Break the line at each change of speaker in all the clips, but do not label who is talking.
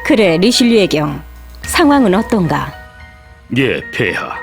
그래, 리실리의 경. 상황은 어떤가?
예, 폐하.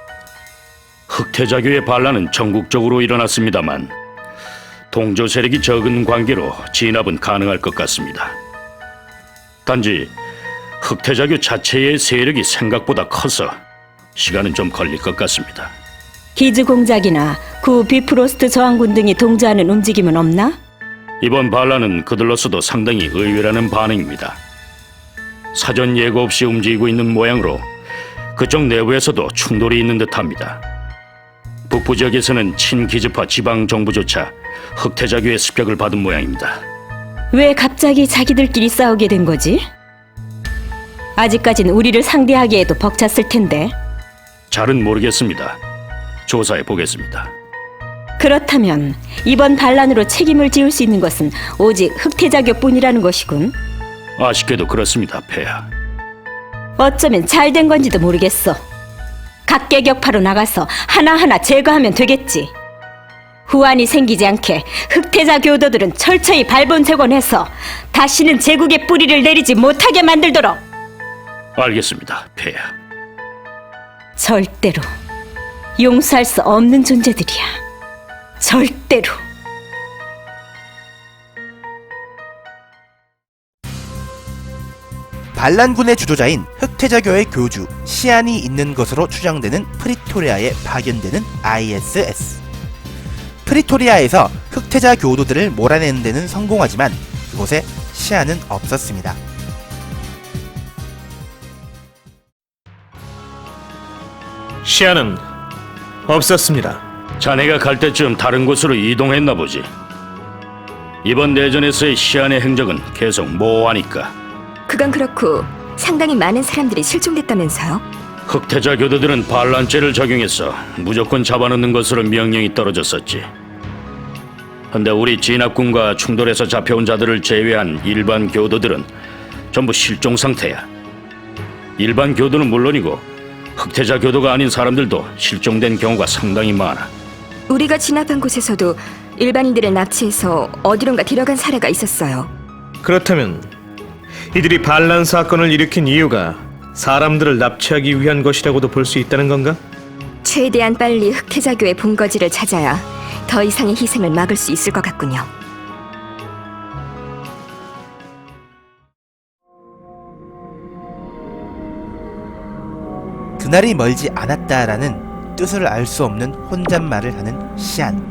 흑태자교의 반란은 전국적으로 일어났습니다만 동조 세력이 적은 관계로 진압은 가능할 것 같습니다. 단지 흑태자교 자체의 세력이 생각보다 커서 시간은 좀 걸릴 것 같습니다.
기즈 공작이나 구 비프로스트 저항군 등이 동조하는 움직임은 없나?
이번 반란은 그들로서도 상당히 의외라는 반응입니다. 사전 예고 없이 움직이고 있는 모양으로 그쪽 내부에서도 충돌이 있는 듯합니다. 북부 지역에서는 친기즈파 지방 정부조차 흑태자교의 습격을 받은 모양입니다.
왜 갑자기 자기들끼리 싸우게 된 거지? 아직까진 우리를 상대하기에도 벅찼을 텐데.
잘은 모르겠습니다. 조사해 보겠습니다.
그렇다면 이번 반란으로 책임을 지을 수 있는 것은 오직 흑태자교뿐이라는 것이군.
아쉽게도 그렇습니다, 폐하.
어쩌면 잘 된 건지도 모르겠어. 각계격파로 나가서 하나하나 제거하면 되겠지. 후환이 생기지 않게 흑태자 교도들은 철저히 발본색원해서 다시는 제국의 뿌리를 내리지 못하게 만들도록.
알겠습니다, 폐하.
절대로 용서할 수 없는 존재들이야. 절대로.
반란군의 주도자인 흑태자교의 교주 시안이 있는 것으로 추정되는 프리토리아에 파견되는 ISS. 프리토리아에서 흑태자 교도들을 몰아내는 데는 성공하지만 그곳에 시안은 없었습니다.
시야는 없었습니다.
자네가 갈 때쯤 다른 곳으로 이동했나 보지. 이번 내전에서의 시안의 행적은 계속 모호하니까.
그건 그렇고 상당히 많은 사람들이 실종됐다면서요?
흑태자 교도들은 반란죄를 적용해서 무조건 잡아넣는 것으로 명령이 떨어졌었지. 근데 우리 진압군과 충돌해서 잡혀온 자들을 제외한 일반 교도들은 전부 실종 상태야. 일반 교도는 물론이고 흑태자 교도가 아닌 사람들도 실종된 경우가 상당히 많아.
우리가 진압한 곳에서도 일반인들을 납치해서 어디론가 데려간 사례가 있었어요.
그렇다면 이들이 반란 사건을 일으킨 이유가 사람들을 납치하기 위한 것이라고도 볼 수 있다는 건가?
최대한 빨리 흑태자교의 본거지를 찾아야 더 이상의 희생을 막을 수 있을 것 같군요.
그날이 멀지 않았다라는 뜻을 알 수 없는 혼잣말을 하는 시안.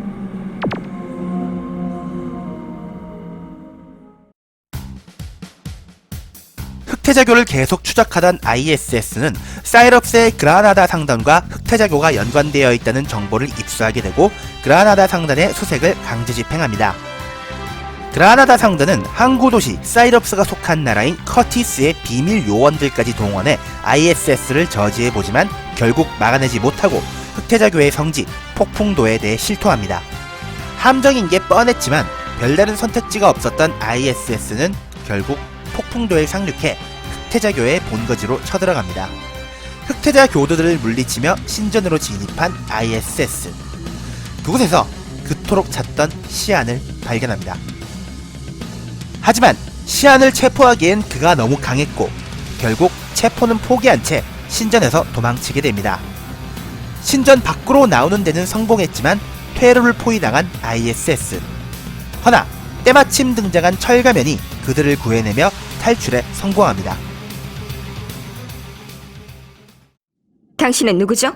흑태자교를 계속 추적하던 ISS는 사이럽스의 그라나다 상단과 흑태자교가 연관되어 있다는 정보를 입수하게 되고 그라나다 상단의 수색을 강제 집행합니다. 그라나다 상단은 항구 도시 사이럽스가 속한 나라인 커티스의 비밀 요원들까지 동원해 ISS를 저지해보지만 결국 막아내지 못하고 흑태자교의 성지 폭풍도에 대해 실토합니다. 함정인 게 뻔했지만 별다른 선택지가 없었던 ISS는 결국 폭풍도에 상륙해 흑태자교의 본거지로 쳐들어갑니다. 흑태자 교도들을 물리치며 신전으로 진입한 ISS. 그곳에서 그토록 찾던 시안을 발견합니다. 하지만 시안을 체포하기엔 그가 너무 강했고 결국 체포는 포기한 채 신전에서 도망치게 됩니다. 신전 밖으로 나오는 데는 성공했지만 퇴로를 포위당한 ISS. 허나 때마침 등장한 철가면이 그들을 구해내며 탈출에 성공합니다.
당신은 누구죠?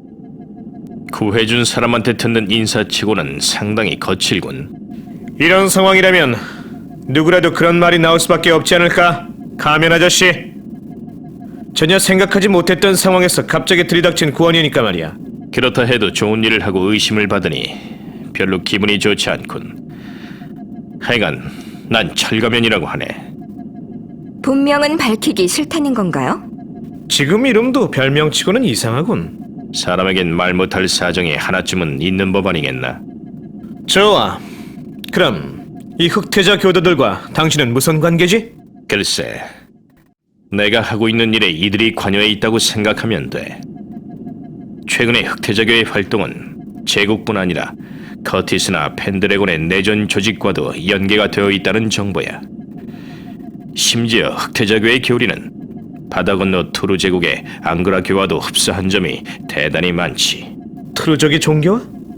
구해준 사람한테 듣는 인사치고는 상당히 거칠군.
이런 상황이라면 누구라도 그런 말이 나올 수밖에 없지 않을까? 가면 아저씨. 전혀 생각하지 못했던 상황에서 갑자기 들이닥친 구원이니까 말이야.
그렇다 해도 좋은 일을 하고 의심을 받으니 별로 기분이 좋지 않군. 하여간 난 철가면이라고 하네.
본명은 밝히기 싫다는 건가요?
지금 이름도 별명치고는 이상하군.
사람에겐 말 못할 사정이 하나쯤은 있는 법 아니겠나?
좋아. 그럼 이 흑태자 교도들과 당신은 무슨 관계지?
글쎄, 내가 하고 있는 일에 이들이 관여해 있다고 생각하면 돼. 최근에 흑태자교의 활동은 제국뿐 아니라 커티스나 펜드래곤의 내전 조직과도 연계가 되어 있다는 정보야. 심지어 흑태자교의 교리는 바다 건너 투르 제국의 앙그라교와도 흡사한 점이 대단히 많지.
트루족의 종교와?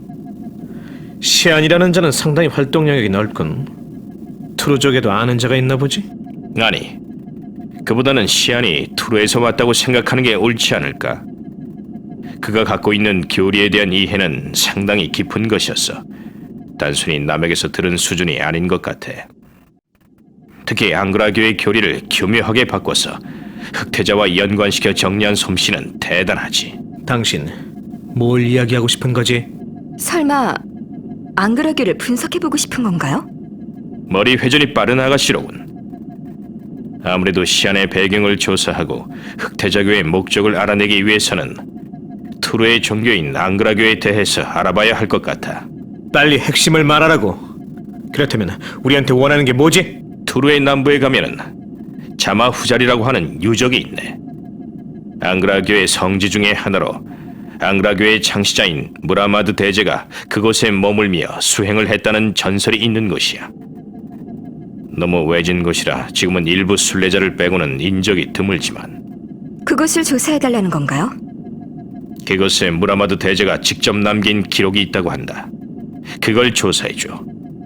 시안이라는 자는 상당히 활동 영역이 넓군. 트루족에도 아는 자가 있나 보지?
아니, 그보다는 시안이 투르에서 왔다고 생각하는 게 옳지 않을까? 그가 갖고 있는 교리에 대한 이해는 상당히 깊은 것이었어. 단순히 남에게서 들은 수준이 아닌 것 같아. 특히 앙그라교의 교리를 교묘하게 바꿔서 흑태자와 연관시켜 정리한 솜씨는 대단하지.
당신 뭘 이야기하고 싶은 거지?
설마 앙그라교를 분석해보고 싶은 건가요?
머리 회전이 빠른 아가씨로군. 아무래도 시안의 배경을 조사하고 흑태자교의 목적을 알아내기 위해서는 투르의 종교인 앙그라교에 대해서 알아봐야 할 것 같아.
빨리 핵심을 말하라고. 그렇다면 우리한테 원하는 게 뭐지?
투르의 남부에 가면은 자마후잘이라고 하는 유적이 있네. 앙그라교의 성지 중의 하나로 앙그라교의 창시자인 무라마드 대제가 그곳에 머물며 수행을 했다는 전설이 있는 곳이야. 너무 외진 곳이라 지금은 일부 순례자를 빼고는 인적이 드물지만
그것을 조사해달라는 건가요?
그곳에 무라마드 대제가 직접 남긴 기록이 있다고 한다. 그걸 조사해줘.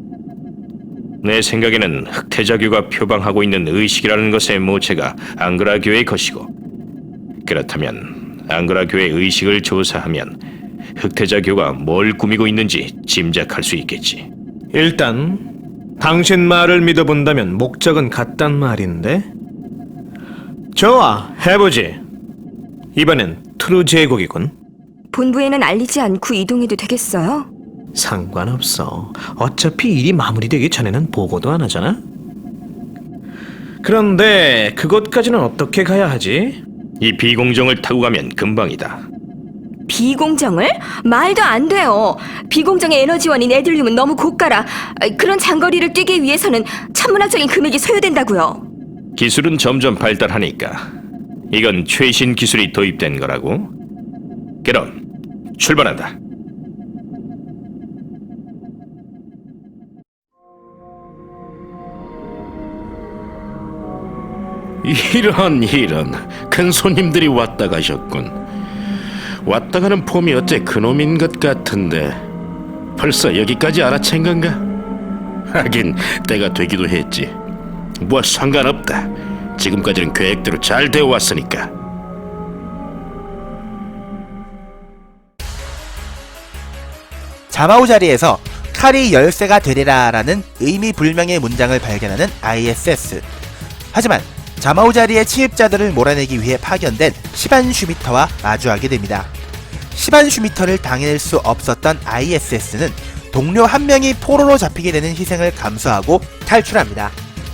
내 생각에는 흑태자교가 표방하고 있는 의식이라는 것의 모체가 앙그라교의 것이고, 그렇다면 앙그라교의 의식을 조사하면 흑태자교가 뭘 꾸미고 있는지 짐작할 수 있겠지.
일단 당신 말을 믿어본다면 목적은 같단 말인데. 좋아, 해보지. 이번엔 트루 제국이군.
본부에는 알리지 않고 이동해도 되겠어요?
상관없어. 어차피 일이 마무리되기 전에는 보고도 안 하잖아. 그런데 그곳까지는 어떻게 가야 하지?
이 비공정을 타고 가면 금방이다.
비공정을? 말도 안 돼요. 비공정의 에너지원인 에들륨은 너무 고가라. 그런 장거리를 뛰기 위해서는 천문학적인 금액이 소요된다고요.
기술은 점점 발달하니까 이건 최신 기술이 도입된 거라고. 그럼 출발한다.
이런 큰 손님들이 왔다 가셨군. 왔다 가는 폼이 어째 그놈인 것 같은데 벌써 여기까지 알아챈 건가? 하긴 때가 되기도 했지. 뭐 상관없다. 지금까지는 계획대로 잘 되어 왔으니까.
자마우 자리에서 칼이 열쇠가 되리라라는 의미불명의 문장을 발견하는 ISS. 하지만 자마우 자리의 침입자들을 몰아내기 위해 파견된 시반 슈미터와 마주하게 됩니다. 시반 슈미터를 당해낼 수 없었던 ISS는 동료 한 명이 포로로 잡히게 되는 희생을 감수하고 탈출합니다.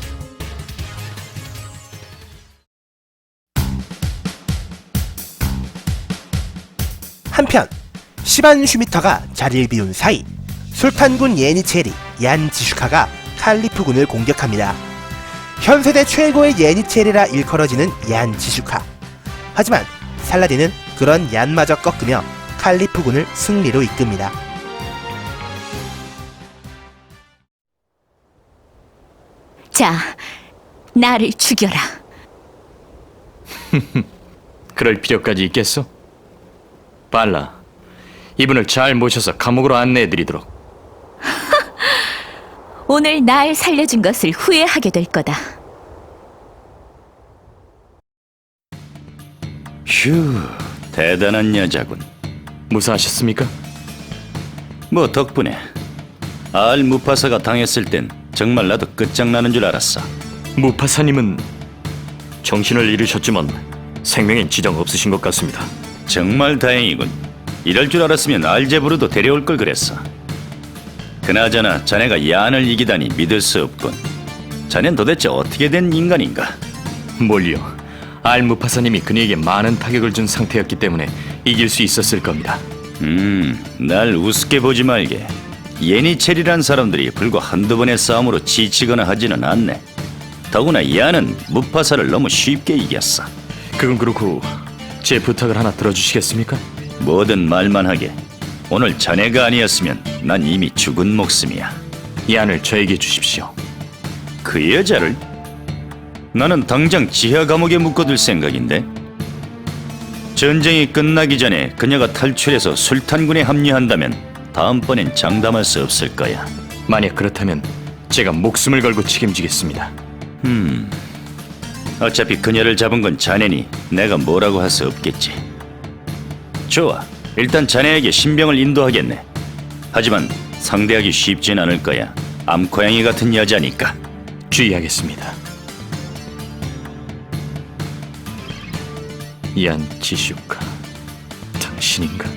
한편 시반 슈미터가 자리를 비운 사이 술탄군 예니체리 얀 지슈카가 칼리프군을 공격합니다. 현세대 최고의 예니체리라 일컬어지는 얀 지슈카. 하지만 살라딘은 그런 얀마저 꺾으며 칼리프군을 승리로 이끕니다.
자, 나를 죽여라.
그럴 필요까지 있겠어? 발라, 이분을 잘 모셔서 감옥으로 안내해드리도록.
오늘 날 살려준 것을 후회하게 될 거다.
휴, 대단한 여자군.
무사하셨습니까?
뭐 덕분에 알 무파사가 당했을 땐 정말 나도 끝장나는 줄 알았어.
무파사님은 정신을 잃으셨지만 생명엔 지장 없으신 것 같습니다.
정말 다행이군. 이럴 줄 알았으면 알제브르도 데려올 걸 그랬어. 그나저나 자네가 얀을 이기다니 믿을 수 없군. 자넨 도대체 어떻게 된 인간인가?
뭘요? 알무파사님이 그녀에게 많은 타격을 준 상태였기 때문에 이길 수 있었을 겁니다.
날 우습게 보지 말게. 예니체리란 사람들이 불과 한두 번의 싸움으로 지치거나 하지는 않네. 더구나 얀은 무파사를 너무 쉽게 이겼어.
그건 그렇고 제 부탁을 하나 들어주시겠습니까?
뭐든 말만 하게. 오늘 자네가 아니었으면 난 이미 죽은 목숨이야.
얀을 저에게 주십시오.
그 여자를? 나는 당장 지하 감옥에 묶어둘 생각인데. 전쟁이 끝나기 전에 그녀가 탈출해서 술탄군에 합류한다면 다음번엔 장담할 수 없을 거야.
만약 그렇다면 제가 목숨을 걸고 책임지겠습니다.
어차피 그녀를 잡은 건 자네니 내가 뭐라고 할 수 없겠지. 좋아, 일단 자네에게 신병을 인도하겠네. 하지만 상대하기 쉽진 않을 거야. 암고양이 같은 여자니까.
주의하겠습니다. 얀 지슈카, 당신인가?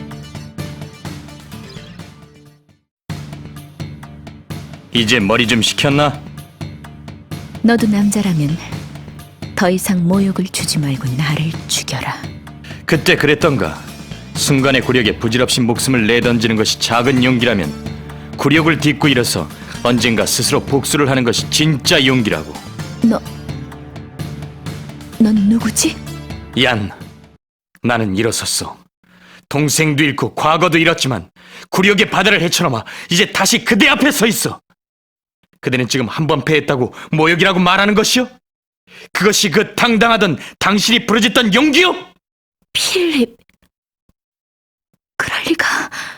이제 머리 좀 식혔나?
너도 남자라면 더 이상 모욕을 주지 말고 나를 죽여라.
그때 그랬던가. 순간의 굴욕에 부질없이 목숨을 내던지는 것이 작은 용기라면 굴욕을 딛고 일어서 언젠가 스스로 복수를 하는 것이 진짜 용기라고.
넌 누구지?
얀, 나는 일어섰어. 동생도 잃고 과거도 잃었지만 굴욕의 바다를 헤쳐넘어 이제 다시 그대 앞에 서 있어. 그대는 지금 한 번 패했다고 모욕이라고 말하는 것이요? 그것이 그 당당하던 당신이 부르짖던 용기요?
필립, 그럴 리가.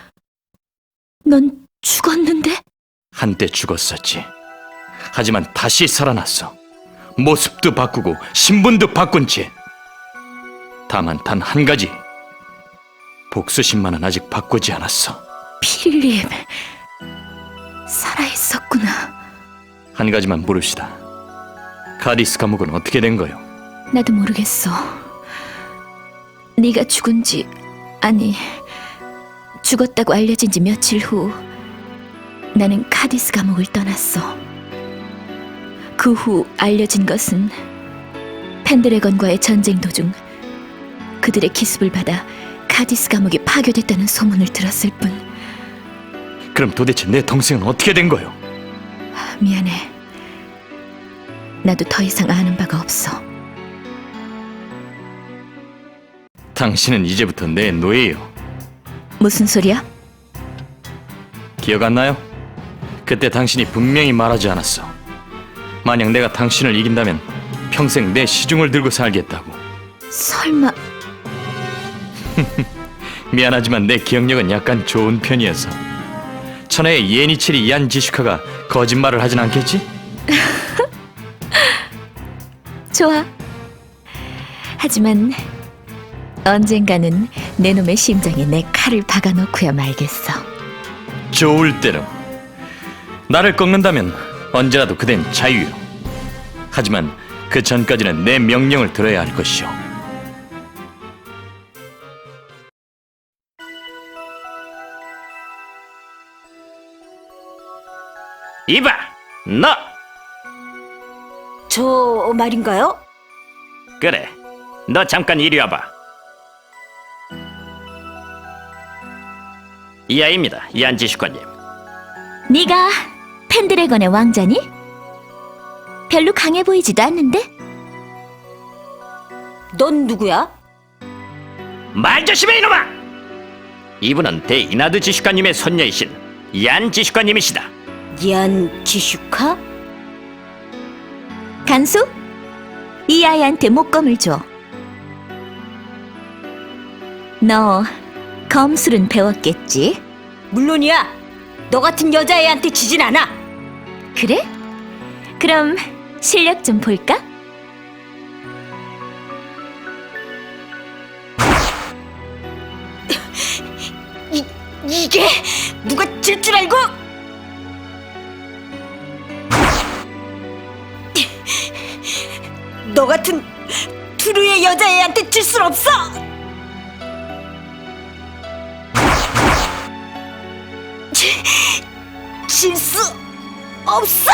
넌 죽었는데?
한때 죽었었지. 하지만 다시 살아났어. 모습도 바꾸고 신분도 바꾼 채. 다만 단 한 가지. 복수심만은 아직 바꾸지 않았어.
필립, 살아있었구나.
한 가지만 물읍시다. 카디스 감옥은 어떻게 된 거요?
나도 모르겠어. 네가 죽은지, 아니, 죽었다고 알려진 지 며칠 후 나는 카디스 감옥을 떠났어. 그 후 알려진 것은 펜드래건과의 전쟁 도중 그들의 기습을 받아 카디스 감옥이 파괴됐다는 소문을 들었을 뿐.
그럼 도대체 내 동생은 어떻게 된 거요?
미안해. 나도 더 이상 아는 바가 없어.
당신은 이제부터 내 노예요.
무슨 소리야?
기억 안 나요? 그때 당신이 분명히 말하지 않았어. 만약 내가 당신을 이긴다면 평생 내 시중을 들고 살겠다고.
설마
미안하지만 내 기억력은 약간 좋은 편이어서. 천하의 예니치리 얀 지슈카가 거짓말을 하진 않겠지?
좋아. 하지만 언젠가는 내 놈의 심장에 내 칼을 박아놓고야 말겠어.
좋을 대로. 나를 꺾는다면 언제라도 그댄 자유요. 하지만 그 전까지는 내 명령을 들어야 할 것이오.
이봐, 너!
저 말인가요?
그래, 너 잠깐 이리 와봐. 이 아이입니다, 얀지슈관님.
네가 펜드래건의 왕자니? 별로 강해 보이지도 않는데?
넌 누구야?
말 조심해 이놈아! 이분은 대이나드 지슈관님의 손녀이신 얀 지슈관님이시다.
얀 지슈카?
간수? 이 아이한테 목검을 줘. 너 검술은 배웠겠지?
물론이야. 너 같은 여자애한테 지진 않아.
그래? 그럼 실력 좀 볼까?
이게 누가 질 줄 알고? 너 같은 두루의 여자애한테 질 순 없어. 질 수 없어.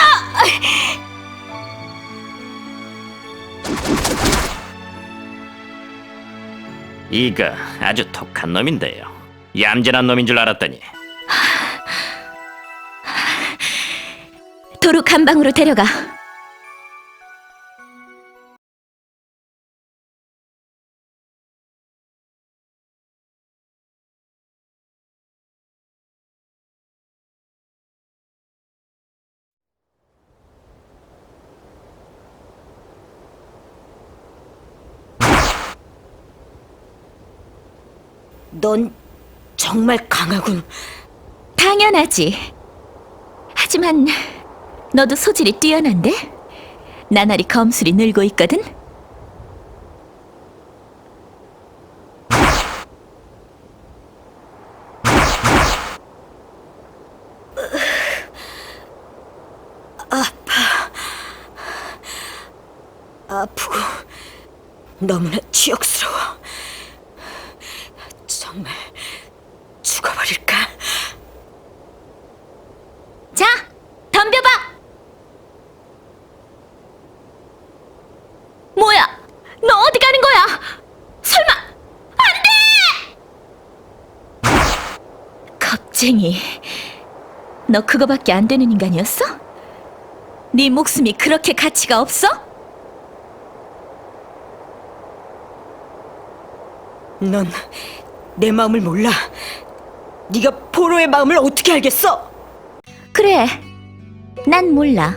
이거 아주 독한 놈인데요. 얌전한 놈인 줄 알았더니.
도로 감방으로 데려가.
넌 정말 강하군.
당연하지. 하지만 너도 소질이 뛰어난데? 나날이 검술이 늘고 있거든?
아프고 너무나 치욕스러워. 정말 죽어버릴까?
자, 덤벼봐! 뭐야? 너 어디 가는 거야? 설마, 안 돼! 겁쟁이. 너 그거밖에 안 되는 인간이었어? 네 목숨이 그렇게 가치가 없어?
넌 내 마음을 몰라. 네가 포로의 마음을 어떻게 알겠어?
그래, 난 몰라.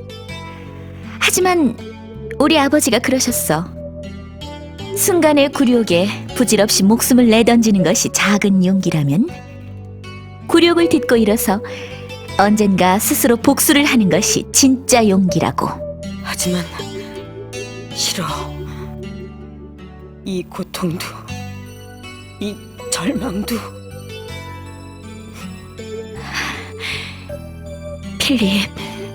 하지만 우리 아버지가 그러셨어. 순간의 굴욕에 부질없이 목숨을 내던지는 것이 작은 용기라면 굴욕을 딛고 일어서 언젠가 스스로 복수를 하는 것이 진짜 용기라고.
하지만 싫어. 이 고통도, 이 절망도.
필립,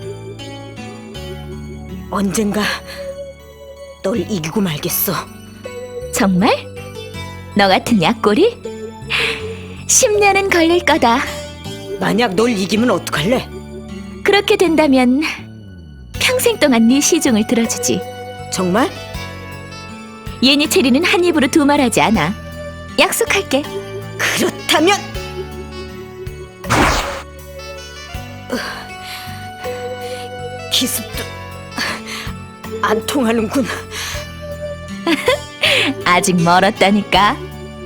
언젠가 널 이기고 말겠어.
정말? 너 같은 약골이? 10년은 걸릴 거다.
만약 널 이기면 어떡할래?
그렇게 된다면 평생 동안 네 시중을 들어주지.
정말?
예니체리는 한 입으로 두 말하지 않아. 약속할게.
그렇다면 기습도 안 통하는군.
아직 멀었다니까.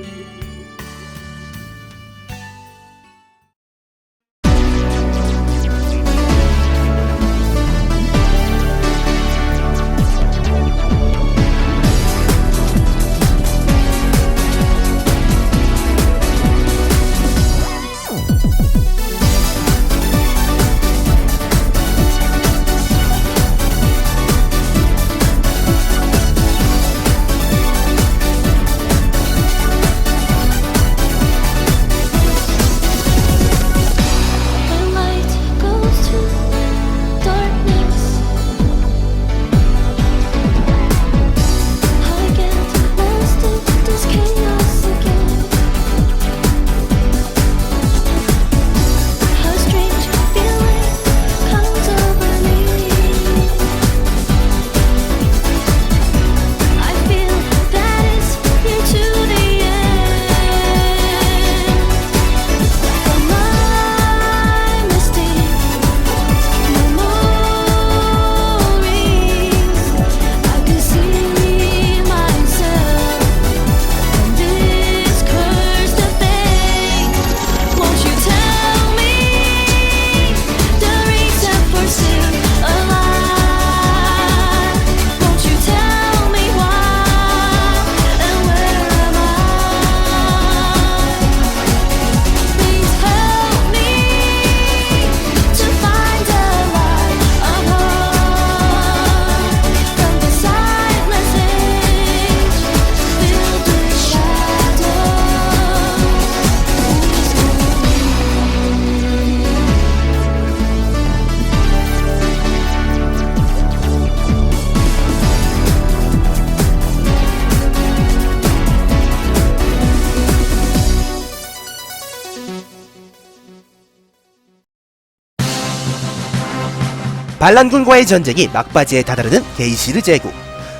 반란군과의 전쟁이 막바지에 다다르는 게이시르 제국.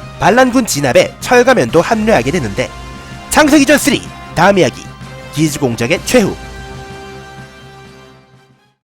반란군 진압에 철가면도 합류하게 되는데 창세기전 3 다음 이야기 기즈공작의 최후